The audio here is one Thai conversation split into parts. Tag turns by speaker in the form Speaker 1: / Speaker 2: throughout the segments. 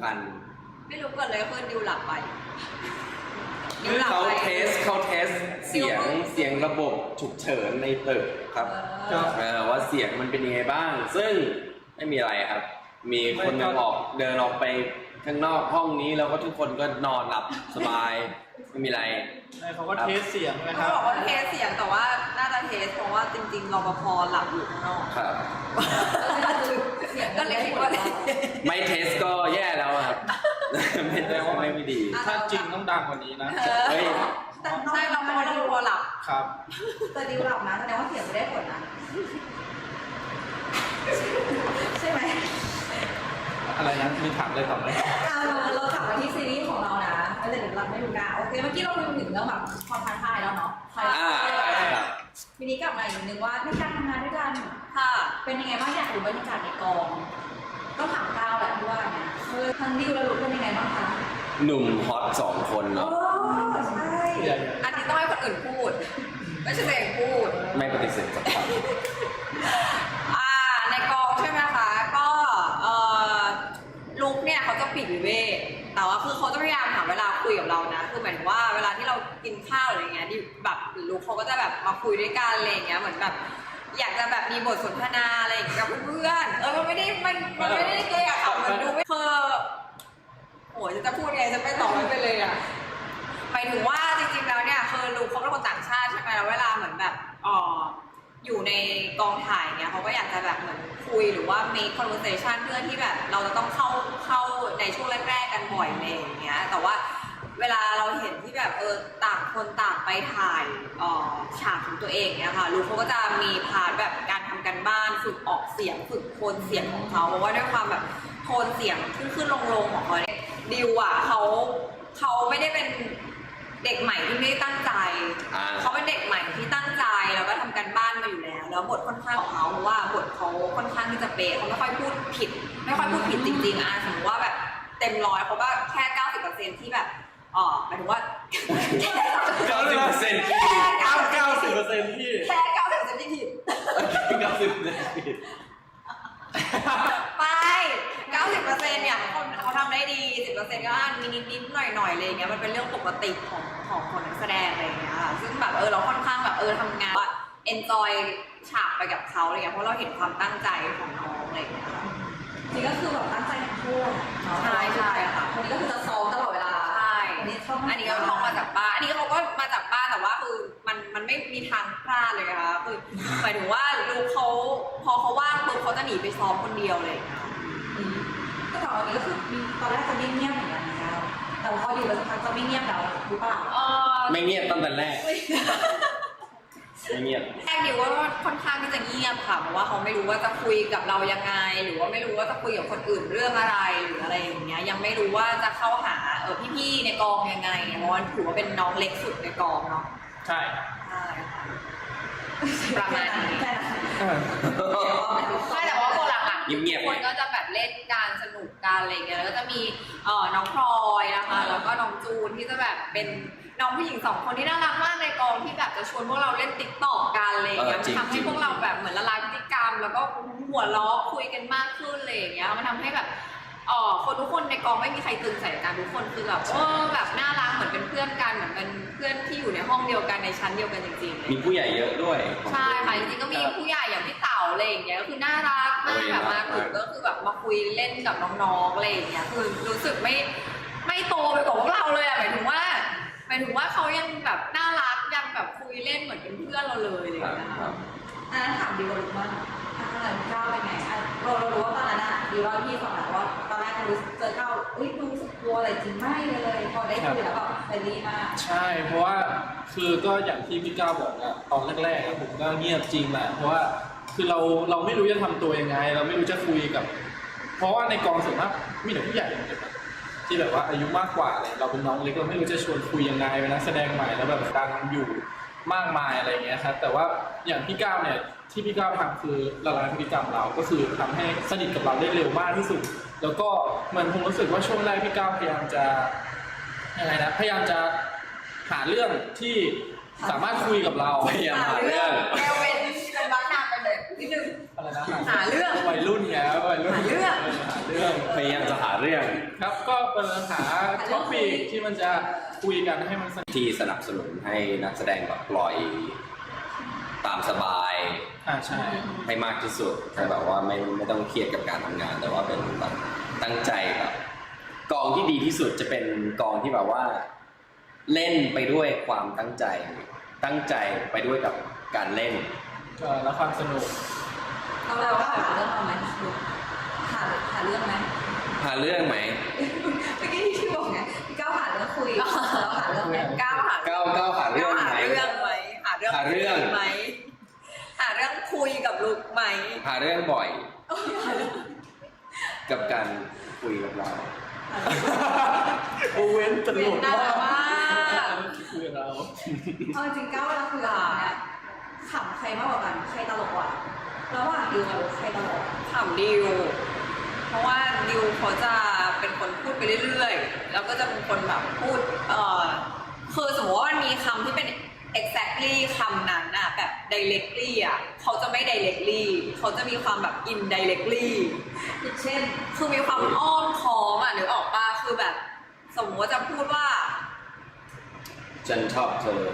Speaker 1: ทัน
Speaker 2: ไม่รู้เกิดอะไรขึ้นดิวหลับไป
Speaker 1: เขาเทสเสียงระบบฉุกเฉินในตึกครับว่าเสียงมันเป็นยังไงบ้างซึ่งไม่มีอะไรครับมีคนหนึ่งเดินออกไปข้างนอกห้องนี้แล้วก็ทุกคนก็นอนหลับสบายไม่มีอะไร
Speaker 3: เขาก็เทสเสียงนะครั
Speaker 2: บเขาบอกว่าเทสเสียงแต่ว่าน่าจะเทสเพราะว่าจริงๆรปภหลับอยู่ข้างนอก
Speaker 1: ครับ
Speaker 2: ก็เลยคิดว่า
Speaker 1: ไม่เทสก็แย่แล้วครับไม่ได้ว่าไม่ดี
Speaker 3: ถ้าจริงต้องดังกว่านี้นะ
Speaker 1: เฮ้ย
Speaker 2: ใช่เราเพราะว่าเราหลับ
Speaker 3: ครับ
Speaker 2: แต่ดิวหลับนะแสดงว่าเสียงไม่ได้ผลนะใช่ไหม
Speaker 3: อะไรนะมีถามอะไรต่อไหม
Speaker 2: เราถามมาที่ซีรีส์ของเรานะไม่ได้หลับไม่รู้นะโอเคเมื่อกี้เราคุยถึงเรื่องแบบความท้าทายแล้วเนาะทีนี้กลับมาอีกนึงว่าในการทำงานด้วยกันค่ะเป็นยังไงบ้างอยากรู้บรรยากาศในกองต้องถามก้าวแหละที่ว่าเนี่ยทั้งดิวและลุกเป็นยังไงบ้างคะ
Speaker 1: หนุ่มฮอต2 คนเนาะ
Speaker 2: ใช่อันนี้ต้องให้คนอื่นพูดไม่ใช่ตัวเองพูด
Speaker 1: ไม่ปฏิเสธสักคำ
Speaker 2: ในกองใช่ไหมคะก็ลุกเนี่ยเขาจะปิดวิเวกแต่ว่าคือเขาจะพยายามหาเวลาคุยกับเรานะคือหมายถึงว่าเวลาที่เรากินข้าวอะไรเงี้ยดิแบบลุกเขาก็จะแบบมาคุยด้วยกันอะไรเงี้ยเหมือนแบบอยากจะแบบมีบทสนทนาอะไรกับเพื่อนมันไม่ได้เกลียดค่ะมันดูไม่โอ้ยจะพูดไงจะไปต่อไม่ไปเลยอ่ะหมายถึงว่าจริงๆแล้วเนี่ยคือลุกเขาเป็นคนต่างชาติใช่ไหมแล้วเวลาเหมือนแบบอยู่ในกองถ่ายเนี่ยเขาก็อยากจะแบบเหมือนคุยหรือว่า make conversation เพื่อที่แบบเราจะต้องเข้าในช่วงแรกๆกันบ่อยอะไรอย่างเงี้ยแต่ว่าเวลาเราเห็นที่แบบต่างคนต่างไปถ่ายฉากของตัวเองเนี่ยค่ะลูกเขาก็จะมีพาร์ทแบบการทำกันบ้านฝึกออกเสียงฝึกโทนเสียงของเขาเพราะว่าด้วยความแบบโทนเสียงขึ้นลงของเขาเนี่ยดิวอ่ะเขาไม่ได้เป็นเด็กใหม่ที่ไม่ได้ตั้งใจเขาเป็นเด็กใหม่ที่ตั้งใจแล้วก็ทำกันบ้านมาอยู่แล้วบทค่อนข้างของเขาเพราะว่าบทเขาค่อนข้างที่จะเป๊ะเขาไม่ค่อยพูดผิดจริงๆสมมติว่าแบบเต็ม100เขาก็แค่ 90% ที่แบบหมายถึงว่า
Speaker 1: 90%
Speaker 3: ที่แค่ 90%ที่
Speaker 2: ผิด
Speaker 1: 90%ผิด
Speaker 2: ไป 90% เนี่ยเขาทำได้ดี 10% ก็มีนิดๆหน่อยๆเลยเงี้ยมันเป็นเรื่องปกติของนักแสดงอะไรเงี้ยซึ่งแบบเราค่อนข้างแบบทำงานว่า enjoy ฉากไปกับเขาอะไรเงี้ยเพราะเราเห็นความตั้งใจของน้องอะไรเงี้ยจริงก็คือแบบตั้งใจทั้งคู่ใช่ค่ะคนนี้ก็คือจะซ้อมตลอดเวลาใช่อันนี้ก็ท่องมาจากบ้านอันนี้เขาก็มาจากบ้านแต่ว่าคือมันไม่มีทางพลาดเลยค่ะคือหมายถึงว่าลูกเขาพอเขาว่างปุ๊บเขาจะหนีไปซ้อมคนเดียวเลยก็ตอนนี้ก็คือตอนแรกจะเงียบๆเหมือนกันนะคะแต่พออยู่แล้วสักพักจะไม่เงียบแล้วหรือเปล่า
Speaker 1: ไม่เงียบตั้งแต่แรกไม่เงียบ
Speaker 2: แรกดิวว่าค่อนข้างที่จะเงียบค่ะเพราะว่าเขาไม่รู้ว่าจะคุยกับเรายังไงหรือว่าไม่รู้ว่าจะคุยกับคนอื่นเรื่องอะไรหรืออะไรอย่างเงี้ยยังไม่รู้ว่าจะเข้าหาพี่ๆในกองยังไงเพราะว่าถือว่าเป็นน้องเล็กสุดในกองเนาะ
Speaker 3: ใช่
Speaker 2: ค่ะประมาณนี้ใช่แต่ว่าคนหลังๆคนก็จะแบบเล่นการสนุกกันอะไรเงี้ยแล้วก็จะมีน้องพลอยนะคะแล้วก็น้องจูนที่จะแบบเป็นน้องผู้หญิง2 คนที่น่ารักมากในกองที่แบบจะชวนพวกเราเล่นติ๊กต็อกกันอะไรอย่างเงี้ยมันทำให้พวกเราแบบเหมือนละลายพฤติกรรมแล้วก็หัวเราะคุยกันมากขึ้นอะไรอย่างเงี้ยมันทำให้แบบคนทุกคนในกองไม่มีใครตึงใส่กันทุกคนคือแบบแบบน่ารักเหมือนเป็นเพื่อนกันเหมือนเป็นเพื่อนที่อยู่ในห้องเดียวกันในชั้นเดียวกันจริงๆ
Speaker 1: มีผู้ใหญ่เยอะด้วย
Speaker 2: ใช่ค่ะจริงๆก็มีผู้ใหญ่อย่างพี่เต๋าอะไรอย่างเงี้ยก็คือน่ารักมากแบบมาถึงก็คือแบบมาคุยเล่นกับน้องๆอะไรอย่างเงี้ยคือรู้สึกไม่โตไปกว่าพวกเราเลยหมายถึงว่าเขายังแบบน่ารักยังแบบคุยเล่นเหมือนเป็นเพื่อนเราเลยอะไรอย่างเงี้ยถามดิวรู้ว่าตอนนั้นก้าวเป็นไงเรารู้ว่าตอนนั้นดิวเล่าพี่ฟังแล้วว่าตอนแรกรู้เจอก้าวรู้สึกกลัวอะไรจริงไม่เลยพอได้คุยแล้วก็เฟรนลี่มาก
Speaker 3: ใช่เพราะว่าคือก็อย่างที่พี่ก้าวบอกอะตอนแรกๆผมก็เงียบจริงแหละเพราะว่าคือเราไม่รู้จะทำตัวยังไงเราไม่รู้จะคุยกับเพราะว่าในกองส่วนมากมีแต่ผู้ใหญ่ที่แบบว่าอายุมากกว่าเลยเราเป็นน้องเล็กเราไม่รู้จะชวนคุยยังไงเป็นนักแสดงใหม่แล้วแบบดังอยู่มากมายอะไรเงี้ยครับแต่ว่าอย่างพี่ก้าวเนี่ยที่พี่ก้าวทำคือละลายพฤติกรรมเราก็คือทำให้สนิทกับเราได้เร็วมากที่สุดแล้วก็มันผมรู้สึกว่าช่วงแรกพี่ก้าวพยายามจะยังไงนะพยายามจะหาเรื่องที่สามารถคุยกับเรา
Speaker 1: พยายามหาเรื่อง
Speaker 2: แกเป็นบ้านนางไปเลยนิดนึง
Speaker 3: อะไรนะ
Speaker 2: หาเรื่อง
Speaker 3: วัยรุ่นไงวัยรุ่น
Speaker 2: หาเรื่อง
Speaker 1: พยายามจะหาเรื่อง
Speaker 3: ครับหาท็อปิกที่มันจะคุยกันให้มันสนุก
Speaker 1: ที่สนับสนุนให้นักแสดงแบบปล่อยตามสบาย
Speaker 3: ใช่
Speaker 1: ให้มากที่สุดแต่แบบว่าไม่ต้องเครียดกับการทำงาน แต่ว่าเป็นแบบตั้งใจแบบกองที่ดีที่สุดจะเป็นกองที่แบบว่าเล่นไปด้วยความตั้งใจไปด้วยกับการเล่น
Speaker 3: แล้วความสนุก
Speaker 2: เราก็หาเรื่องเอาไหมหาเรื่องไหม
Speaker 1: หาเรื่องไหม
Speaker 2: เมื่อกี้ที่บอกไงพี่ก้าวหาเรื่องคุยเราหาเรื่องไหมก้าวหา
Speaker 1: ก้าวหาเรื่องไหม
Speaker 2: หาเรื่องไหมหาเรื่อง
Speaker 1: หาเรื่อง
Speaker 2: ไหมหาเรื่องคุยกับลูกไหม
Speaker 1: หาเรื่องบ่อย กับการคุยกับเรา
Speaker 3: โอเว้นตลก
Speaker 2: น่ารัก
Speaker 3: มาม
Speaker 2: าก
Speaker 3: คุยกับเรา
Speaker 4: เอาจริงๆก้าวเวลาคุยกับเราเนี่ยขำใครมากกว่ากันใครตลกกว่าระหว่างดิวกับลูกใครตลก
Speaker 2: ถามดิว เพราะว่าดิวเขาจะเป็นคนพูดไปเรื่อยๆ แล้วก็จะเป็นคนแบบพูดคือสมมติว่ามันมีคำที่เป็น exactly คำนั้นอะแบบ directly อะเขาจะไม่ directly เขาจะมีความแบบ indirectly
Speaker 4: อย่างเช่น
Speaker 2: คือมีความอ้อมค้อมอะนึกออกปะคือแบบ สมมติว่าจะพูดว่า
Speaker 1: ฉันชอบเธอ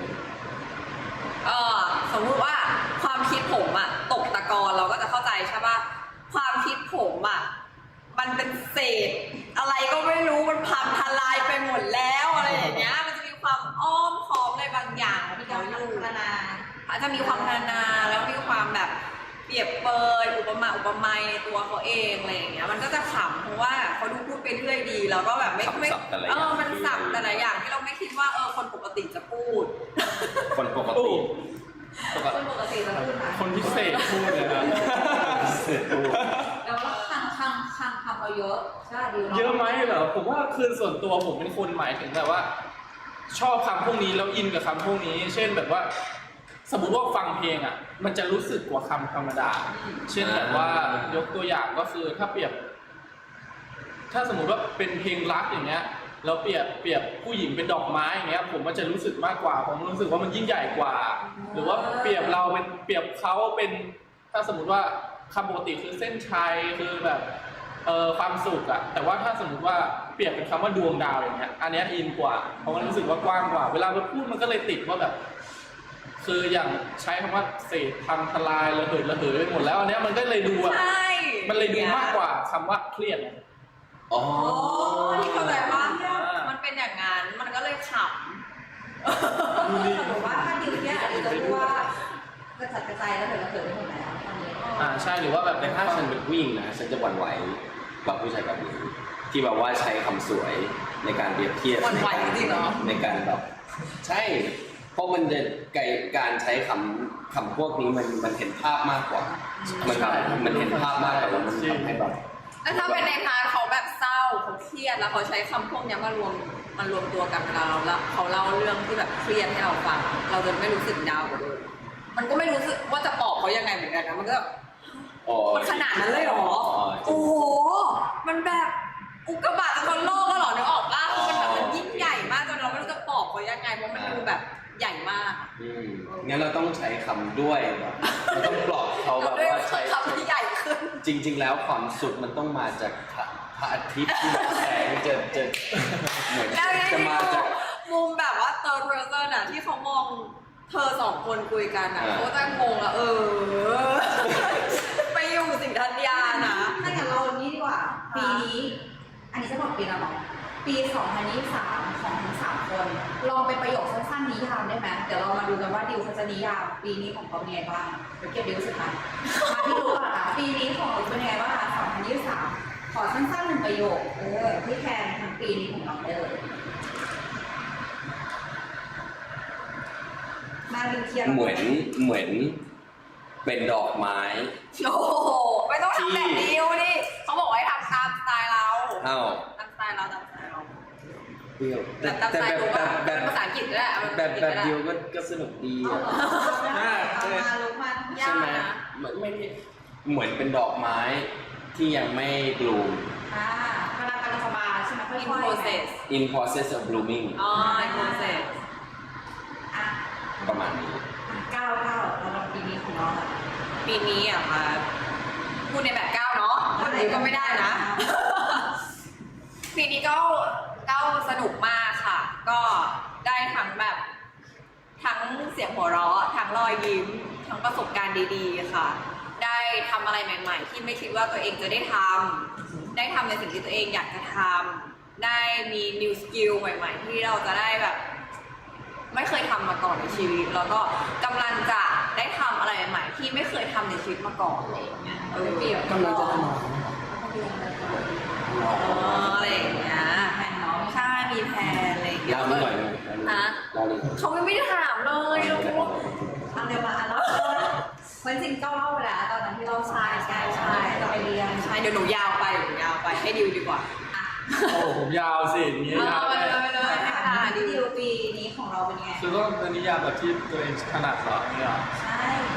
Speaker 2: สมมุติว่าความคิดผมอะตกตะกอนเราก็จะเข้าใจใช่ปะความคิดผมอะมันเป็นเศษ อะไรก็ไม่รู้มันพังทลายไปหมดแล้วอะไรอย่างเงี้ยมันจะมีความอ้อมค้อมอะไรบางอย่าง
Speaker 4: มี
Speaker 2: ที่
Speaker 4: กา
Speaker 2: เขา
Speaker 4: ร
Speaker 2: อยู่
Speaker 4: พัฒนา
Speaker 2: อาจจะมีความนานาแล้วมีความแบบเปรียบเปยอุปมาในตัวเขาเองอะไรอย่างเงี้ยมันก็จะขำเพราะว่าเขาดูพูดไปเรื่อยดีแล้วก็แบบไม่
Speaker 1: สับแต่ละอย่าง
Speaker 2: มันสับแต่ละอย่างที่เราไม่คิดว่าคนปกติจะพูด
Speaker 1: คนปกติ
Speaker 4: คนปกติจะพูดมา
Speaker 3: คนพิเศษพูดเลยนะ
Speaker 4: แล้วก็คังคำเราเยอะใช่ดิว
Speaker 3: เยอะไหมเหรอผมว่าคือส่วนตัวผมเป็นคนหมายถึงแบบว่า ชอบคำพวกนี้แล้วอินกับคำพวกนี้ เช่นแบบว่า สมมุติว่าฟังเพลงอ่ะ มันจะรู้สึกกว่าคำธรรมดา เช่นแบบว่ายกตัวอย่างก็คือถ้าเปรียบ ถ้าสมมุติว่าเป็นเพลงรักอย่างเงี้ยแล้วเปรียบผู้หญิงเป็นดอกไม้อย่างเงี้ย ผมมันจะรู้สึกมากกว่าผมรู้สึกว่ามันยิ่งใหญ่กว่า หรือว่าเปรียบเราเป็นเปรียบเขาเป็น ถ้าสมมุติว่าคำปกติคือเส้นชัยคือแบบความสุขอะแต่ว่าถ้าสมมุติว่าเปรียบเป็นคำว่าดวงดาวอย่างเงี้ยอันเนี้ยอินกว่าเพราะมันรู้สึกว่ากว้างกว่า เวลาเราพูดมันก็เลยติดว่าแบบ คืออย่างใช้คำว่าเศษพังทลายระเหยไปหมดแล้วอันเนี้ยมันก็เลยดูอะ
Speaker 2: ใช่
Speaker 3: มันเลยดูมากกว่าคำว่าเครียดอะ
Speaker 1: อ๋อ
Speaker 2: ที่เข้าใจว่ามันเป็นอย่างนั้นมันก็เลยข
Speaker 4: สมมติว่าถ้าดิวเนี่ยดิวจะพูดว่ากระจัดกระจายแล้วเถิดระเถิดไปหมดแล้วตอนนี้
Speaker 3: ใช่หรือว่าแบบ
Speaker 1: แต่ถ้าฉันเป็นผู้หญิงนะฉันจะหวั่นไหวกับผู้ชายแบบนี้ที่แบบว่าใช้คำสวยในการเปรียบเทียบ
Speaker 2: ำวันไหวจริงๆเหรอ
Speaker 1: ในการแบบใช่เพราะมันจะการใช้คำพวกนี้มันเห็นภาพมากกว่ามันเห็นภาพมากกว่าแล้วมันทำให้แบบ
Speaker 2: แล้วถ้าเป็นในพาร์ทเขาแบบเศร้าเขาเครียดแล้วเขาใช้คำพวกเนี้ยมารวมตัวกันเวลาเราแล้วเขาเล่าเรื่องที่แบบเครียดให้เราฟังเราจะไม่รู้สึกดาวกว่าเดิมมันก็ไม่รู้สึกว่าจะปลอบเขายังไงเหมือนกันนะมันก็แบบ มันขนาดนั้นเลยเหรอ โอ้โห มันแบบอุกกาบาตจะชนโลกแล้วเหรอนึกออกป่ะคือมันแบบมันยิ่งใหญ่มากจนเราไม่รู้จะปลอบเขายังไงเพราะมันดูแบบใหญ่มาก
Speaker 1: งั้นเราต้องใช้คำด้วยแบบเราต้องปลอบเขาแบบว่าใช้
Speaker 2: คำที่ใหญ่ขึ้น
Speaker 1: จริง ๆ แล้วความสุขมันต้องมาจากพระอาทิตย์ที่แบบแสงจะเหมือน
Speaker 2: แล้วนี่
Speaker 1: จะมาจาก
Speaker 2: มุมแบบว่า third person อะที่เขามองเธอสองคนคุยกันอะเขาจะงงอะไปอยู่สิงธัญญานะ
Speaker 4: ถ้าอย่างเราอย่างนี้ดีกว่า ปีนี้ อันนี้จะบอกปีละหรอปี 2023 ของทั้ง3 คน ลองเป็นประโยคสั้นๆนิยามได้ไหมเดี๋ยวเรามาดูกันว่าดิวเขาจะนิยามปีนี้ของเขาเป็นยังไงบ้างเดี๋ยวเก็บดิวสุดท้ายมาที่ดูก่อนค่ะปีนี้ของเราเป็นยังไงบ้างคะ2023 ขอสั้นๆ1 ประโยคที่แทนทั้งปีนี้ของเราได้เลยมาดิวเทียร์
Speaker 1: เหมือนเป็นดอกไม้
Speaker 2: โอ้โหไม่ต้องทำแบบนี้ดิเขาบอกว่าให้ทำตามสไตล์เรา
Speaker 1: อ้าว
Speaker 2: ตามสไตล์เราตามสไตล์เรา
Speaker 1: เปรี้ยว
Speaker 2: แต่ตามสไตล์รู้ว่าเป็นภาษาอังกฤษก็ได้
Speaker 1: แบบเดียวก็สนุกดี
Speaker 4: เอา
Speaker 1: อะ
Speaker 4: เหรอเอามาลุกมา
Speaker 2: ยาก
Speaker 1: ใช่ไหม
Speaker 2: นะ
Speaker 1: ไม่ได้เหมือนเป็นดอกไม้ที่ยังไม่บลูม
Speaker 4: กำลังสบายใช่ไหมค่อย
Speaker 2: in
Speaker 4: ๆ
Speaker 2: process
Speaker 1: in process of blooming
Speaker 2: อ๋อ in process
Speaker 4: อ่ะ
Speaker 1: ประมาณนี้
Speaker 4: 9เราลองปีนี้ของเราอะ
Speaker 2: ปีนี้อ่ะมาพูดในแบบก้าวเนาะคนอื่นก็ไม่ได้นะปีนี้ก็สนุกมากค่ะ ก็ได้ทั้งแบบทั้งเสียงหัวเราะทั้งรอยยิ้มทั้งประสบการณ์ดีๆค่ะ ได้ทำอะไรใหม่ๆ ที่ไม่คิดว่าตัวเองจะได้ทำได้ทำในสิ่งที่ตัวเองอยากจะทำได้มี new skill ใหม่ๆ ที่เราจะได้แบบ ไม่เคยทำมาก่อนในชีวิต แล้วก็กำลังจะได้ทำอะไรใหม่ๆที่ไม่เคยทำในชีวิตมาก่อนอะไรอย่างเงี้ยเปรียบ
Speaker 3: กำลังจะทำ
Speaker 2: อะไรอย่างเงี้ยแผนน้องใช่มีแผนอะไรอย่างเงี้ย
Speaker 1: เล่าหน่อย
Speaker 2: ฮะ
Speaker 1: เล่าเลย
Speaker 2: เขาไม่ได้ถามเลยเราพูด
Speaker 4: อันเดียวมาอันแล้วมันจริงก็เล่าไปแล้วตอนนั้นที่เราใช่จะไปเรียน
Speaker 2: ใช่เดี๋ยวหนูยาวไปให้ดิวดีกว่าอ่ะ
Speaker 3: โอ้ผมยาวสิอย่างนี้ยาว
Speaker 2: ไป
Speaker 3: ไป
Speaker 2: เลยให้ขนาด
Speaker 4: ดิ
Speaker 2: นี้
Speaker 4: วปีนี้ของเราเป็นไง
Speaker 3: คือก็เป็นนิยามแบบที่ตัวเองถนัดเหรอเนี่ย
Speaker 4: ใช่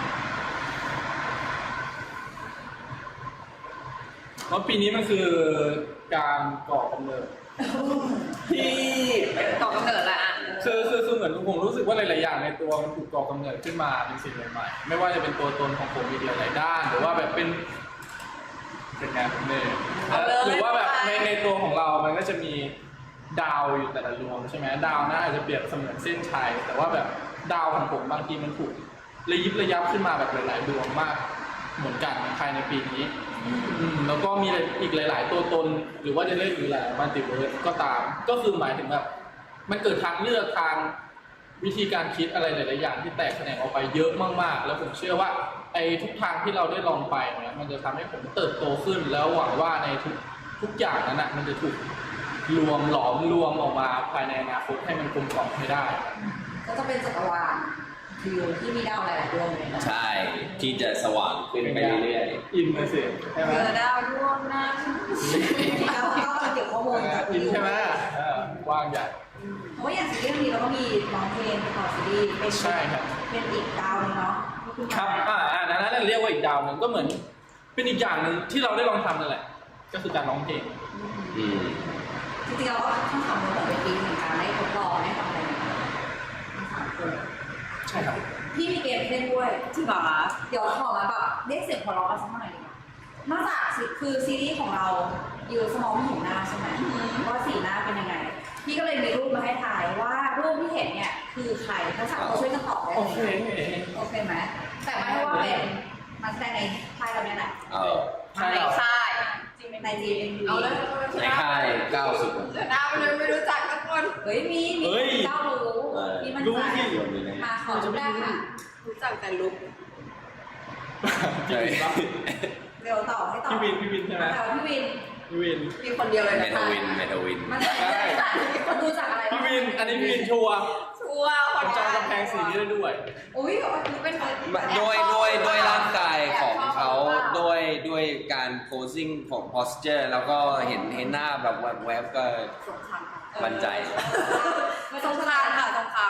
Speaker 3: เพราะปีนี้มันคือการก่อกำเนิดที่
Speaker 2: ต่อกำเนิดละอ่ะ
Speaker 3: คือเหมือนผมรู้สึกว่าหลายๆอย่างในตัวมันถูกก่อกำเนิดขึ้นมาเป็นสิ่งใหม่ๆไม่ว่าจะเป็นตัวตนของผมอีกหลายๆด้านหรือว่าแบบเป็นงานผมเนี่ยหรือว่าแบบในตัวของเรามันก็จะมีดาวอยู่แต่ละดวงใช่ไหมดาวนะอาจจะเปรียบเสมือนเส้นชัยแต่ว่าแบบดาวของผมบางทีมันถูกระยิบระยับขึ้นมาแบบหลายๆดวงมากเหมือนกันภายในปีนี้แล้วก็มีอีกหลาย ๆ ตัวตนหรือว่าจะเรียกอีกหลายมัลติเวิร์สก็ตามก็คือหมายถึงแบบมันเกิดทางเลือกทางวิธีการคิดอะไรหลายๆอย่างที่แตกแขนงออกไปเยอะมากๆแล้วผมเชื่อว่าไอ้ทุกทางที่เราได้ลองไปเนี่ยมันจะทำให้ผมเติบโตขึ้นแล้วหวังว่าในทุกอย่างนั้นนะมันจะถูกรวมหลอมรวมออกมาภายในอนาคตให้มันกลมกล่อมให้ได้
Speaker 4: ก็จะเป็นจักรวาลวิวที่มีดาวหลายๆดวงเลยนะ
Speaker 1: ใช่ที่จะสว่างขึ้นไปเรื่อย
Speaker 3: อินเลยสิใช่ไหม
Speaker 2: เจอดาวดวงนั้น
Speaker 4: แล้วก็จะเก็บข้อมูลจาก
Speaker 3: อินใช่ไหมกว้างใหญ่
Speaker 4: เพราะว่าอย่างซีรีส์นี้เราก็มีร้องเพลงประกอบซีรีส์เป็น
Speaker 3: ใช่ครับ
Speaker 4: เป็นอีกดาวนึงเนาะ
Speaker 3: ครับนั้นเรียกว่าอีกดาวหนึ่งก็เหมือนเป็นอีกอย่างหนึ่งที่เราได้ลองทำนั่นแหละ ก็คือการร้องเพลง
Speaker 1: ๆอืม
Speaker 4: จริงๆเราก็ต้องทำมาเป็นปีเหมือนกันได้ทดลองได้ทำอะไรอย่างเงี้ยทั้งสามคน
Speaker 3: ใช่ครับ
Speaker 4: พี่มีเกมเล่นด้วย
Speaker 2: ที่บอกว่า
Speaker 4: เดี๋ยวขอมาแบบเรียกเสียงหัวเราะกันสักหน่อยดีกว่านอกจากคือซีรีส์ของเราอยู่สมองไม่เห็นหน้าใช่ไหมว่าสีหน้าเป็นยังไง พี่ก็เลยมีรูปมาให้ถ่ายว่ารูปที่เห็นเนี่ยคือใครทั้งสามคนช่วยกันตอบได้
Speaker 3: โอ
Speaker 4: เลย
Speaker 3: เค
Speaker 4: โอเคไหมแต่ไม่ได้ว่าเป็นนักแสดงในค่ายเราเนี่ยแหละ
Speaker 1: เอา
Speaker 3: ใช่
Speaker 2: ใน
Speaker 3: เรา
Speaker 2: ค่าย
Speaker 4: ในจีเอ็น
Speaker 2: เอาเลย
Speaker 1: ในค่าย90
Speaker 2: เจอหน้าไปเลยไม่รู้จักทุกคน
Speaker 4: เฮ้ยมีเจ้ารู้มีมัน
Speaker 3: รู้
Speaker 4: ใจ
Speaker 3: ที่
Speaker 4: มาขอจุดแรกค่ะ
Speaker 2: รู้จักแต่ลุก
Speaker 3: พี่วินปะ
Speaker 4: เดี๋ยวต่อให้ต่อ
Speaker 3: พี่วินใช่ไหม
Speaker 4: แต่พี่วิน
Speaker 3: พี่วิน
Speaker 2: มีคนเดียวเลย
Speaker 1: เม
Speaker 2: นะ
Speaker 1: ทาวินเมทาวิน
Speaker 4: มันจะคนดูจากอะไร
Speaker 3: พี่วิน อันนี้พี่วินชัวร์
Speaker 2: ชัวร์คน
Speaker 3: จองกำแพงสีนี้ได้ด้วย
Speaker 4: อุ้ย
Speaker 2: คือเป็นคน
Speaker 1: ด้วยร่างกายของเขาด้วยการโพส i ิ g ของ posture แล้วก็เห็นหน้าแบบแวบๆก็
Speaker 2: สงคราม
Speaker 1: มั่นใจ
Speaker 4: มาส
Speaker 2: ส
Speaker 4: ง
Speaker 2: ง
Speaker 4: ค
Speaker 2: ค
Speaker 4: ราร
Speaker 2: าม
Speaker 4: ม
Speaker 2: ค่ะสงคราม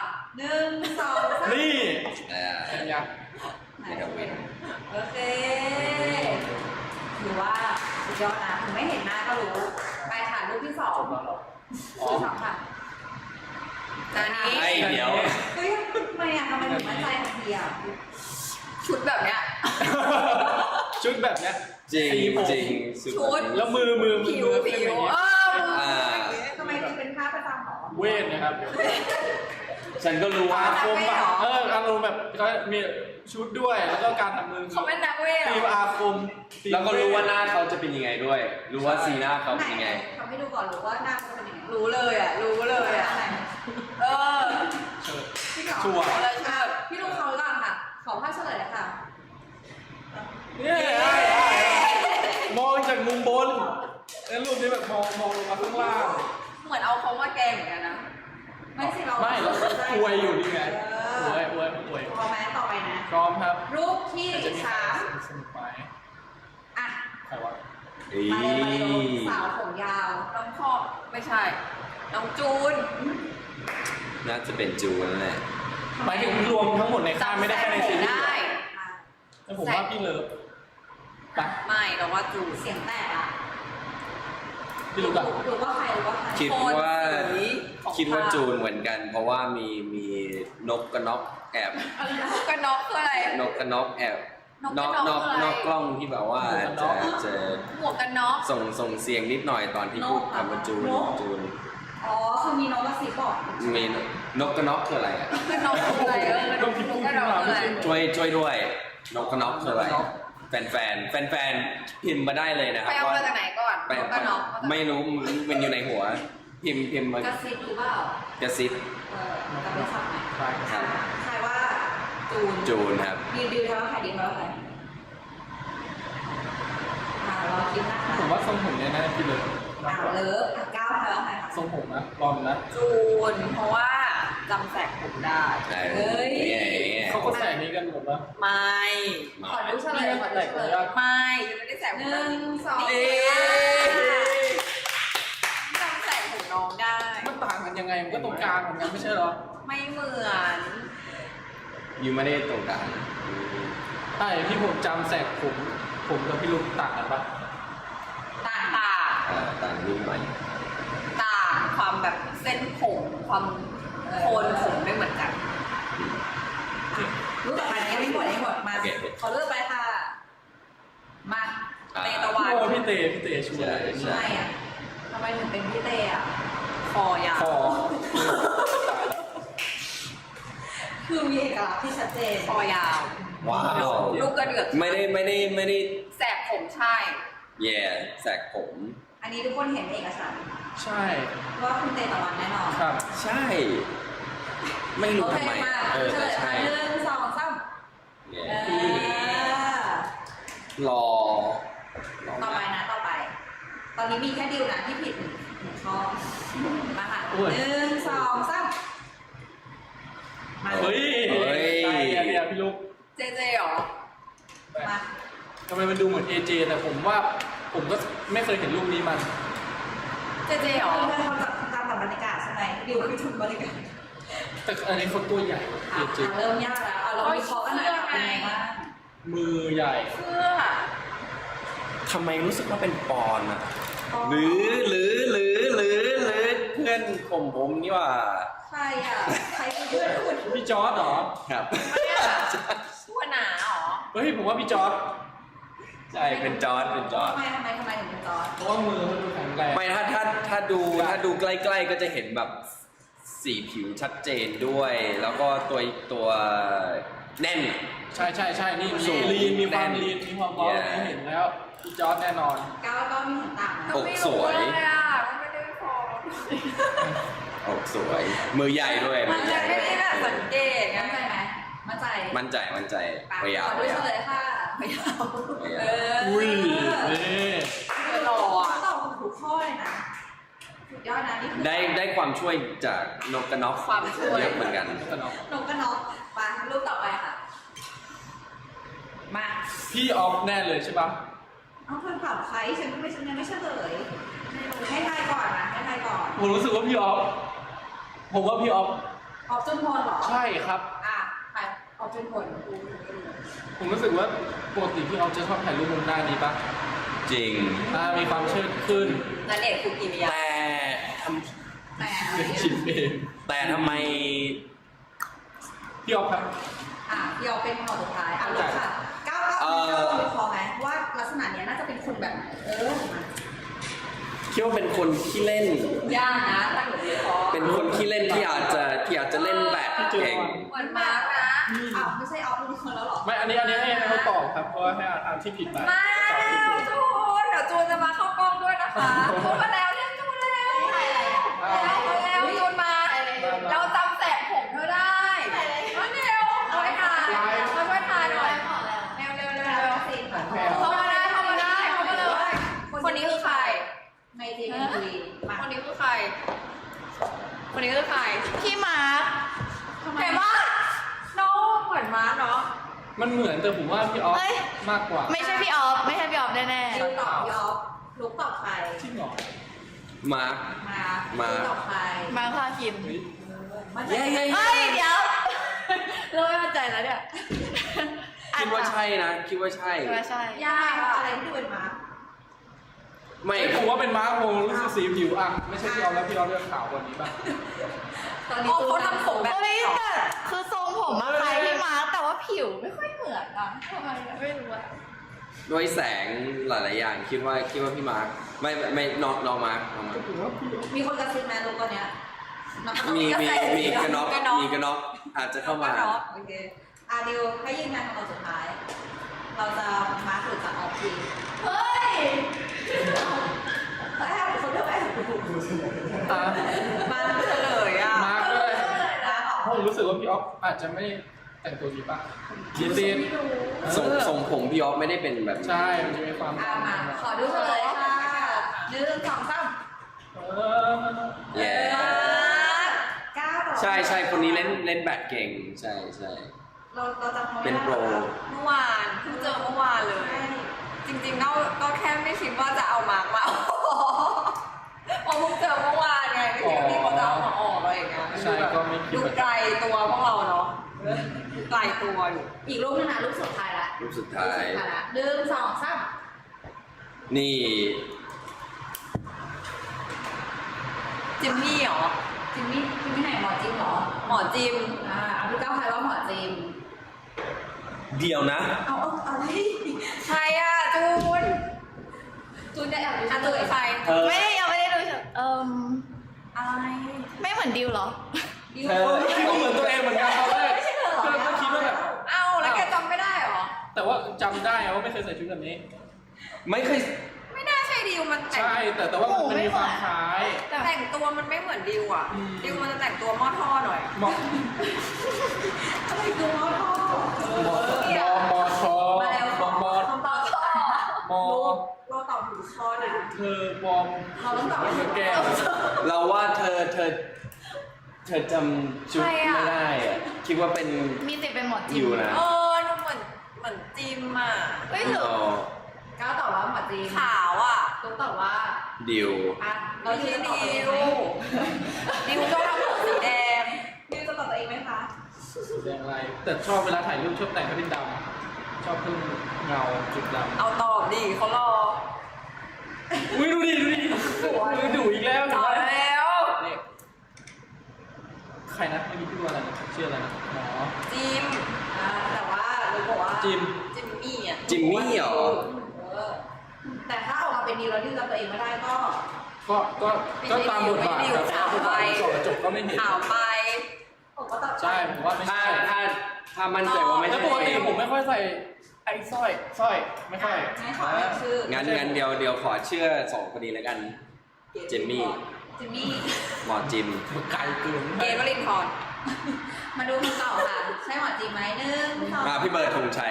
Speaker 4: 1 2 3
Speaker 3: นี่
Speaker 1: อ่า
Speaker 3: เป็นไง
Speaker 1: เมทาวิน
Speaker 4: โอเคถือว่าสุดยอดนะถึงไม่เห็นหน้าก็รู้ ไปค่ะรูปที่สอง
Speaker 3: จบแล้วเหรออ๋อ
Speaker 4: ที่สองค่ะ
Speaker 2: อันนี้
Speaker 1: ไอ้เดี๋ยว
Speaker 4: เฮ้ยทำไมอ่ะทำไมถึงมั่นใจทันทีอ่ะ
Speaker 2: ชุดแบบเนี้ย
Speaker 3: ชุดแบบเนี้ย
Speaker 1: จริง
Speaker 3: สีผม
Speaker 1: จริง
Speaker 2: ชุด
Speaker 3: แล้วมือ
Speaker 2: ผิว
Speaker 3: เป็นอย่างเงี้ย
Speaker 4: ทำไมถึงเป็นภาพประจำหรอ
Speaker 3: เวทนะครับ
Speaker 1: ฉันก็รู้ว่า
Speaker 3: อาคมแบบอารมณ์แบบก็มีชุดด้วย แล้วก็การทำมือ
Speaker 2: เขาเป็นนักเวท
Speaker 3: ตีมอาคม
Speaker 1: แล้วก็รู้ว่าหน้าเขาจะเป็นยังไงด้วย รู้ว่าสีหน้าเขาเป็นยังไง
Speaker 4: ทำให้ดูก่อนหรือว่าหน้าเขาเป็นยังไง
Speaker 2: รู้เลยอ่ะ รู้เลยอ่ะ เออ
Speaker 3: เชิด
Speaker 4: พี่ขอ
Speaker 3: ชัวร์
Speaker 2: เอาเลยชอบ
Speaker 4: พี่ดูเขาก่อนค่ะ ขอภาพเฉลยเลยค่ะ
Speaker 3: เนี่ยมองจากมุมบนแล้วรูปนี้แบบมองลงมาข้างล่าง
Speaker 2: เหมือนเอาเขามาแกล้งเหมือนกันนะ
Speaker 4: ไม่สิเรา
Speaker 3: ไม่เราอวยอยู่นี่ไงอวย
Speaker 4: พอไหมต่อไปนะ
Speaker 3: พร้อมครับ
Speaker 4: รูปที่
Speaker 3: จะมีใคร
Speaker 4: 3
Speaker 3: สนุกไหม
Speaker 4: อ่ะ
Speaker 3: ใครวะ
Speaker 1: อี
Speaker 4: มาเลยสาวผมยาว
Speaker 2: น้องพ่อไม่ใช่ น้องจูน
Speaker 1: น่าจะเป็นจูนนั่นแหละ
Speaker 3: หมายถึงรวมทั้งหมดในค่ายไม่ได้แค่ในซีรีส์
Speaker 2: ได้
Speaker 3: แต่ผมว่าพี่เลิฟปะ
Speaker 2: ไม่เราว่าจูน
Speaker 4: เสียงแตกอ่ะ
Speaker 3: พี่รู้ปะ
Speaker 4: หรือว่าใครหรือว่าใคร
Speaker 1: คิดว่า
Speaker 2: โทนสีของ
Speaker 1: คิดว่า
Speaker 2: ภาพ
Speaker 1: จูนเหมือนกัน เพราะว่ามีนกกระนอกแอบ
Speaker 2: ก็น็อกคืออะไร
Speaker 1: นกกระนอกแอบนอกกล้องที่แบบว่าจะ
Speaker 2: หมวกกันน็อก
Speaker 1: ส่งเสียงนิดหน่อยตอนที่พูดคำว่าจูน
Speaker 4: อ๋อคือมีน้องกระซิบบอก
Speaker 1: มีนกกระน็อกคืออะไรอ่ะ
Speaker 2: กันน็อกคืออะไรนกกันน็อกคืออะไร
Speaker 1: ช่วยด้วยนกกระน็อกคืออะไรแฟนพิมพ์มาได้เลยนะครับ
Speaker 2: ไปเอามาจากไหนก่อนนกกันน็อก
Speaker 1: ไม่รู้มันอยู่ในหัว พิมพ์มาก
Speaker 4: ระซิบหรือเปล่าก
Speaker 1: ระซิบ
Speaker 4: กับไม่สับไหม
Speaker 3: ใช่ครับ
Speaker 4: ใครว่า
Speaker 1: จูนครับ
Speaker 4: ดิวทำว่าใครดิวทำว่าใครรอคิดนะคะ
Speaker 3: ผมว่าทรงผมเนี่ยน่าจะพี่เลิฟ
Speaker 4: เลิฟก้าวทำว่าใครคะ
Speaker 3: ทรงผมนะรอมนะ
Speaker 2: จูนเพราะว่าจำแสกผมได้
Speaker 3: เขาก็ใส่นี้กันหมดแล้ว
Speaker 2: ไม่
Speaker 4: ขอดูเฉลยขอดูเฉลย
Speaker 2: ไม่ยังไม่ได้แสกผม
Speaker 4: 1 2
Speaker 2: จำแสกผมน้องได้
Speaker 3: มันต่างกันยังไงมันก็ตรงกลางเหมือนกันไม่ใช่เหรอ
Speaker 2: ไม่เหมือน
Speaker 1: ยูไม่ได้ตรงกลาง
Speaker 3: ใช่ที่ผมจำแสกผมกับพี่ลุงต่างกันปะ
Speaker 2: ต่าง
Speaker 1: ต่างนิดหน่อย
Speaker 2: ต่างความแบบเส้นผมความโคนผมไม่เหมือนกัน
Speaker 4: รู้ต่อไปนะยังไม่หมดมาขอเลือกไปค่ะมา
Speaker 2: เตตะวัน
Speaker 3: โอ้พี่เตช่วย
Speaker 4: ทำไมอ่ะทำไมถึงเป็นพี่เตอ่ะ
Speaker 2: คอยาว
Speaker 3: คอ
Speaker 4: คือมีเอกลักษณ์ที่ชัดเจน
Speaker 2: คอยาว
Speaker 1: ว้าว
Speaker 2: ลูกกระเดือก
Speaker 1: ไม่ได้
Speaker 2: แสกผมใช่
Speaker 1: แย่แสกผม
Speaker 4: อันนี้ทุกคนเห็นเอกสาร
Speaker 3: ใช่
Speaker 4: ว่าคุณเตตะวันแน่นอน
Speaker 3: ครับ
Speaker 1: ใช่ ไม่รู้
Speaker 4: โอเค
Speaker 1: ทำไม
Speaker 4: มา
Speaker 1: เฉลย
Speaker 4: ใช่
Speaker 1: ใช่
Speaker 4: 1 2 3
Speaker 1: แย่
Speaker 4: ต่
Speaker 1: รอ
Speaker 4: อไปนะต่อไป ตอนนี้มีแค่ดิวนะที่ผิดหนึ่งข้อมาค่ะ1 2 3มา
Speaker 3: เฮ้ยเนี่ยพี่ลุง
Speaker 2: เจเจเหรอ
Speaker 4: มา
Speaker 3: ทำไมมันดูเหมือน AJ แต่ผมว่าผมก็ไม่เคยเห็นรูปนี้มัน
Speaker 2: เจเจเหรอ
Speaker 4: เพื่อนเขาจำบรรยากาศใช่ไหมดิวคือชุดบรรยากาศ
Speaker 3: แต่อันนี้เขาตัวใหญ่ AJ
Speaker 4: เริ่มยากแล้วเราวิเคราะห์กันหน่อยเป็นไงบ้าง
Speaker 3: มือใหญ่
Speaker 2: เสื้อ
Speaker 1: ทำไมรู้สึกว่าเป็นปอนอะหรือเพื่อนข่มผมนี่ว่า
Speaker 4: ใครอ่ะใครคือเพื่อนคุณ
Speaker 3: พี่จอร์ดเหรอ
Speaker 1: ครับ
Speaker 2: ชั่วหนาเหรอ
Speaker 3: เฮ้ยผมว่าพี่จอร์ด
Speaker 1: ใช่เป็นจอร์ด
Speaker 4: ทำไมถึงเป็นจอร์ด
Speaker 3: เพราะว่ามือเขาดูแข็งแรง
Speaker 1: ไม่ถ้าดูใกล้ๆก็จะเห็นแบบสีผิวชัดเจนด้วย แล้วก็ตัวแน่น
Speaker 3: ใช่นี่
Speaker 1: สูง
Speaker 3: ลีนมีความ
Speaker 1: แน่น
Speaker 3: ลีนมีความเบา
Speaker 1: Yeah
Speaker 3: เห็นแล้วพี่จอร์ดแน่นอน
Speaker 4: ก้าวก็มีเห็นต่างนะ
Speaker 1: อกสวย
Speaker 2: ก็ไม่รู้เลยอ่ะไม่ได้พอ
Speaker 1: อกสวย มือใหญ่ด้วย
Speaker 2: มันจะไม่ได้แบบสังเกตไง
Speaker 4: มั่นใจไหมมั่นใจ
Speaker 1: มั่นใจพยายาม
Speaker 4: ขอดูเฉลยค่ะ
Speaker 2: ไม่เอา
Speaker 3: อุ้ยนี่
Speaker 2: ไม่รออ่ะ
Speaker 4: ตอบถูกข้อเลยนะสุดยอดนะนี่คือ
Speaker 1: ได้ความช่วยจากนกกระน็อก
Speaker 2: ความช่วย
Speaker 1: เยอะเหมือนกัน
Speaker 3: แต่เนาะ
Speaker 4: นกกระนกมารูปต่อไปค่ะ มา
Speaker 3: พี่ออฟแน่เลยใช่ปะ
Speaker 4: เอาเพื่อนถามใครฉันไม่เฉลยให้ทายก่อนนะให้ทายก่อน
Speaker 3: ผมรู้สึกว่าพี่ออฟผมว่าพี่ออฟ
Speaker 4: ออกจนพลเหรอ
Speaker 3: ใช่ครับ
Speaker 4: อ่ะใครออกจนพล
Speaker 3: ผมรู้สึกว่าปกติพี่ออฟจะชอบถ่ายรูปมุมหน้านี้ปะ
Speaker 1: จริง
Speaker 3: มีความเชิดขึ้น
Speaker 2: นันเดชน์คุกิมิยะ
Speaker 1: แต่ท
Speaker 4: แต่
Speaker 3: เป็นชิมเอง
Speaker 1: ำแต่ทำไม
Speaker 3: พี่ออฟครับ
Speaker 4: พี่ออกเป็นข้อสุดท้ายลูกค่ะก้าวมีคอไหมว่าลักษณะเนี้ยน่าจะเป็นคนแบบไหนมา
Speaker 1: คิดว่าเป็นคนขี้เล่น
Speaker 2: ยากนะตั้งหนูดีคอ
Speaker 1: เป็นคนขี้เล่นที่อาจจะเล่นแบบเก่ง
Speaker 2: เหมือนมาร์กนะ
Speaker 4: ไม่ใช่ออกเป็นคนแล้วหรอ
Speaker 3: ไม่อันนี้ให้เขาตอบครับเพราะว่าให้อ่านที่ผิดไป
Speaker 2: มาจูนเดี๋ยวจูนจะมาเข้ากล้องด้วยนะคะพูดมาแล้วเรียกจูนแล้วแล้วจูนมาเราจำแสกผมเธอได้มาเร็วเอาไปถ่ายมาช่วยถ่ายหน่อยเร็วเข้ามาได้เลยคนนี้คือใคร
Speaker 4: ในเจนบุรีมา
Speaker 2: คนนี้คือใคร คนนี้คือใครพี่มาร์คเห็นปะน้องเหมือนมาร์คเนาะ
Speaker 3: มันเหมือนแต่ผมว่าพี่ออฟ
Speaker 5: เอ้ย
Speaker 3: มากกว่า
Speaker 5: ไม่ใช่พี่ออฟไม่ใช่พี่ออฟแน่
Speaker 4: ดิวตอบยอฟลุกตอบใคร
Speaker 3: จริงเหรอ
Speaker 1: มาร์ค
Speaker 4: มาตอบใคร
Speaker 5: ๆมาพาคิม
Speaker 3: เฮ้ย
Speaker 4: มัน
Speaker 1: เย้
Speaker 5: เฮ้ย เดี๋ยว เราไม่มั่นใจแล้วเนี่ย
Speaker 1: คิดว่าใช่นะคิดว่าใช่
Speaker 5: คิดว่าใช่
Speaker 4: ยากอะไรที่ดูเป็นมา
Speaker 1: ไม่
Speaker 3: ผมว่าเป็นม้าโมรู้สึกสีผิวอ่ะไม่ใช่พี่ออฟแล้วพี่ออฟเลือกขาวกว่านี้ป่ะ
Speaker 4: ตอนนี้
Speaker 2: เขาทำผมแบบ
Speaker 5: เฮ้ยแต่คือทรงผมมาคล้ายพี่มาร์คแต่ว่าผผิวไม่ค่อยเหมือนอ่ะทำไมไม่รู้อ่ะ
Speaker 1: ด้วยแสงหลายๆอย่างคิดว่าพี่มาร์คไม่น้องมาร์ค
Speaker 4: มีคนกระซิบแม่ลูกตอนเนี้ยน้อง
Speaker 1: มีกระน็อกอาจจะเข้ามา
Speaker 4: โอเคดิวให้ยืนยันคำตอบสุดท้าย เราจะมาร์คหรือจะออกที
Speaker 5: เฮ้ย
Speaker 4: แต่ให้คนเลือกไป
Speaker 2: มาเฉลยอ่ะ
Speaker 3: มาร์คด้วย
Speaker 4: มาร์คออก
Speaker 3: ผมรู้สึกว่าพี่ออฟอาจจะไม่แต่งตัวดีป่ะดีซีน
Speaker 1: ทรงผมพี่ออฟไม่ได้เป็นแบบ
Speaker 3: ใช่มันจะมีความ
Speaker 4: มาขอดูเฉลยค่ะ1 2 3
Speaker 1: แย่
Speaker 4: 9ต่อ
Speaker 1: ใช่คนนี้เล่นแบดเก่งใช่
Speaker 4: เราจำเขาไม่ได้
Speaker 1: เป็นโปร
Speaker 2: เมื่อวานเพิ่งเจอเมื่อวานเลย จริงๆก็แค่ไม่คิดว่าจะเอามาร์กมาพอเพิ่งเจอเมื่อวานไงไม่คิดว่าพี่เขาจะเอามาออกอะไรอย่างเงี้ย
Speaker 3: ใช่ก็ไม่คิด
Speaker 2: ดู
Speaker 3: ว่า
Speaker 2: ไกลตัวพวกเราเนาะดูไกลตัวอยู่
Speaker 4: อีกรูปนึงนะรูปสุดท้ายละ
Speaker 1: รูปสุดท้าย
Speaker 4: ละ1 2 3
Speaker 1: นี่
Speaker 2: จิมมี่เหรอ
Speaker 4: จิมมี่ไหนหมอจิมเหรอ
Speaker 2: หมอจิม
Speaker 4: พี่ก้าวใครว่าหมอจิม
Speaker 1: เดียวนะ
Speaker 4: เอาอะไร
Speaker 2: ใครอ่ะจูน
Speaker 4: ได้แอบดู
Speaker 2: จูนใคร
Speaker 5: ยังไม่ได้ดู
Speaker 2: อะไร
Speaker 5: ไม่เหมือนดิวเหรอ
Speaker 4: ดิว
Speaker 3: ก็เหมือนตัวเองเหมือนกันตอนแรก
Speaker 4: ไม่ใช่เหรอ
Speaker 3: ก็คิดว่าแบบ
Speaker 2: เอ้าแล้วแกจำไม่ได้เหรอ
Speaker 3: แต่ว่าจำได้ว่าไม่เคยใส่ชุดแบบนี้
Speaker 1: ไม่เคย
Speaker 2: ไม่น่าใช่ดิวมันแต่ง
Speaker 3: ใช่แต่ว่ามันมีความคล้าย
Speaker 2: แต่งตัวมันไม่เหมือนดิวอ่ะ
Speaker 3: อืม
Speaker 2: ดิวมันจะแต่งตัวหม้อท่อหน่อย
Speaker 3: มอ
Speaker 4: อะไรคือหมอทอ
Speaker 3: มอชอ
Speaker 4: มาแล้ว
Speaker 3: มอมอ
Speaker 4: คำตอบข้อ
Speaker 3: มอ
Speaker 4: เราตอบถูกข้อนะ
Speaker 3: เธอบอม
Speaker 4: เราต้องตอบ
Speaker 3: เธอแก้ว
Speaker 1: เราว่าเธอจำชุด
Speaker 2: ใครอะ
Speaker 1: ไม่ได้อะคิดว่าเป็น
Speaker 5: มีติดเป็นหมด
Speaker 1: อ
Speaker 5: จิม
Speaker 1: ยู่นะ
Speaker 2: หนูเหมือนจิมอ่ะ
Speaker 5: เฮ้ยหรือ
Speaker 4: ก้าวตอบว่าหมอจี
Speaker 2: ขาวอ่ะ
Speaker 4: ตุ๊กตอบว่า
Speaker 1: ดิว
Speaker 4: เราที่จะตอบตัวเองไหม
Speaker 2: ดิวชอบทำผมสีแดง
Speaker 4: ดิวจะตอบตัวเองไหมคะ
Speaker 3: สีแดงอะไร แต่ชอบเวลาถ่ายรูปชอบแต่งให้เป็นดำชอบเพิ่มเงาจุดดำ
Speaker 2: เอาตอบดิเขารอ
Speaker 3: อุ้ยดูดิดูอีกแล้ว
Speaker 2: ตอบแล้ว
Speaker 3: นี่ใครนะไม่มีชื่ออะไรนะชื่ออะไรนะหมอ
Speaker 2: จิม
Speaker 4: แต่ว่าเราบอกว่า
Speaker 3: จิม
Speaker 2: จิมมี่อ่ะ
Speaker 1: จิมมี่เหรอ
Speaker 4: แต่ถ้าออกมาเป็นดิวแล้วดิวจำตัวเองไม่ได้ก็
Speaker 3: ก็ตามบทบาทครับถ้าบทบาทสอบจบก็ไม่เห็น
Speaker 2: ขาวไป
Speaker 4: ผมก็ตอบ
Speaker 3: ใช่ผมว่าไม่
Speaker 1: ถ้า
Speaker 3: ใช่
Speaker 1: ถ้ามั่นใจว่าไม่
Speaker 3: แล้
Speaker 1: ใช่
Speaker 3: วปกติผมไม่ค่อยใส่ไอ้สร้อยไม่ค่อย
Speaker 4: งั้นขอเรียกชื่อ
Speaker 1: งั้นเดี๋ยวขอเชื่อ2คนนี้แล้วกัน เจมมี่
Speaker 4: จิมมี่
Speaker 1: หมอจิม
Speaker 3: ไกลเกิน
Speaker 2: เกณฑ์วลินทร
Speaker 4: มาดูคำตอบค่ะ ใช่หมอจีไหม1 2
Speaker 1: พี่เบิร์ดธงชัย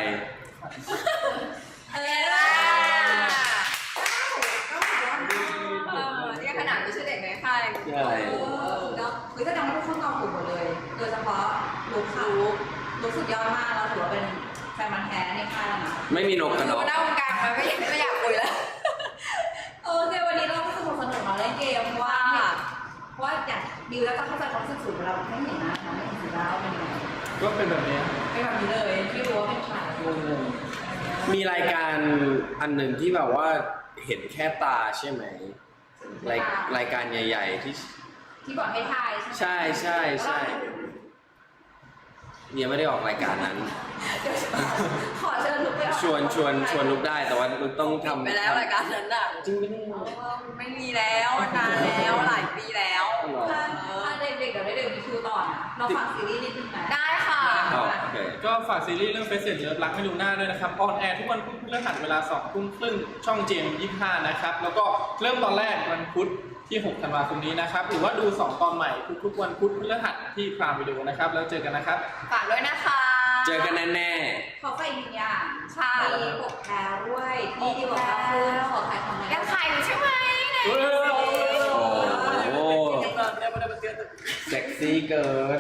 Speaker 2: เนี่ยขนาดไม่ใช่เด็กในค่าย
Speaker 1: ใช่
Speaker 4: คือแสดงว่าทุกคนตอบถูกหมดเลย โดยเฉพาะลุกค่ะลุกสุดยอดมากเราถือว่าเป็นแฟนมันธุ์แท้ในค่ายแล้วนะ
Speaker 1: ไม่มีนกกัน
Speaker 2: ดู
Speaker 1: เนาะ
Speaker 2: หน้าวงการมันไม่อยากคุยแล้ว
Speaker 4: วันนี้เราก็สนุกมาเล่นเกมเพราะว่าอย่างดิวแล้วก็เข้าใจความรู้สึกสูงเราไม่เห็นนะไม่เห็นสิแล้วเป็นยังไง
Speaker 3: ก็เป็นแบบนี้
Speaker 4: เป็นแบบนี้เลยไม่รู้ว่าเป็นใคร
Speaker 3: งง
Speaker 1: มีรายการอันหนึ่งที่แบบว่าเห็นแค่ตาใช่ไหมรายการใหญ่ ๆ
Speaker 4: ที่บอกให้ทาย
Speaker 1: ใช่เนี่ยไม่ได้ออกรายการนั้น
Speaker 4: ขอเชิญลุกไป
Speaker 1: ชวนลุกได้แต่ว่าลุกต้องทำ
Speaker 2: ไปแล้วรายการนั้นอ่ะ
Speaker 1: จริงไม่ได้
Speaker 2: ไม่มีแล้วนานแล้วหลายปีแล้ว
Speaker 4: ถ้าเด็กๆเดี๋ยวได้เด็กมีคิวต่อนะเราฝากซีรีส์นิดนึงนะ
Speaker 2: ได้ค่ะ
Speaker 1: อ๋อโอเค
Speaker 3: ก็ฝากซีรีส์เรื่องเฟสเซนเลิฟรักไม่ดูหน้าด้วยนะครับออนแอร์ทุกวันพุธพฤหัสเวลา 20:30 ช่องเจม25นะครับแล้วก็เริ่มตอนแรกวันพุธที่6ธันวาคมนี้นะครับหรือว่าดู2ตอนใหม่ทุกๆวันพุธพฤหัสที่พรามวิดีโอนะครับแล้วเจอกันนะครับ
Speaker 2: ฝากด้วยนะคะ
Speaker 1: เจอกันแน่
Speaker 4: ขอฝากอีกหนึ่งอย่าง
Speaker 2: ค่ะ
Speaker 4: มีปกแพรด้วยที่ดีบอกว่าคือขอขายของหน่อย
Speaker 2: ยังขายอยู่ใช่ไหมเนี่ย
Speaker 3: เฮ้ย
Speaker 1: ๆโอ้โหเซ็กซี่เกิน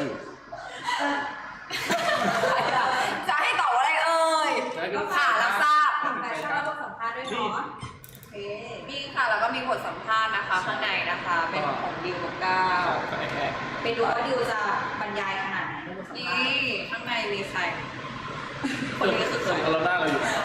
Speaker 2: จะให้ตอบว่าอะไรเอ่ยค่ะรับทราบ
Speaker 4: แต่ชอบสัมภาษณ์ด้วยเนาะโอเค
Speaker 2: มีค่ะแล้วก็มีบทสัมภาษณ์นะคะข้างในนะคะ เป็นของดิวกับก้าว
Speaker 4: ไปดูว่าดิวจะบรรยายขนาดไหนในบทสัมภาษ
Speaker 2: นี่
Speaker 4: ณ์
Speaker 2: ข้างในมีใคร คนนี้คือใคร
Speaker 3: เราหน้าเราอยู่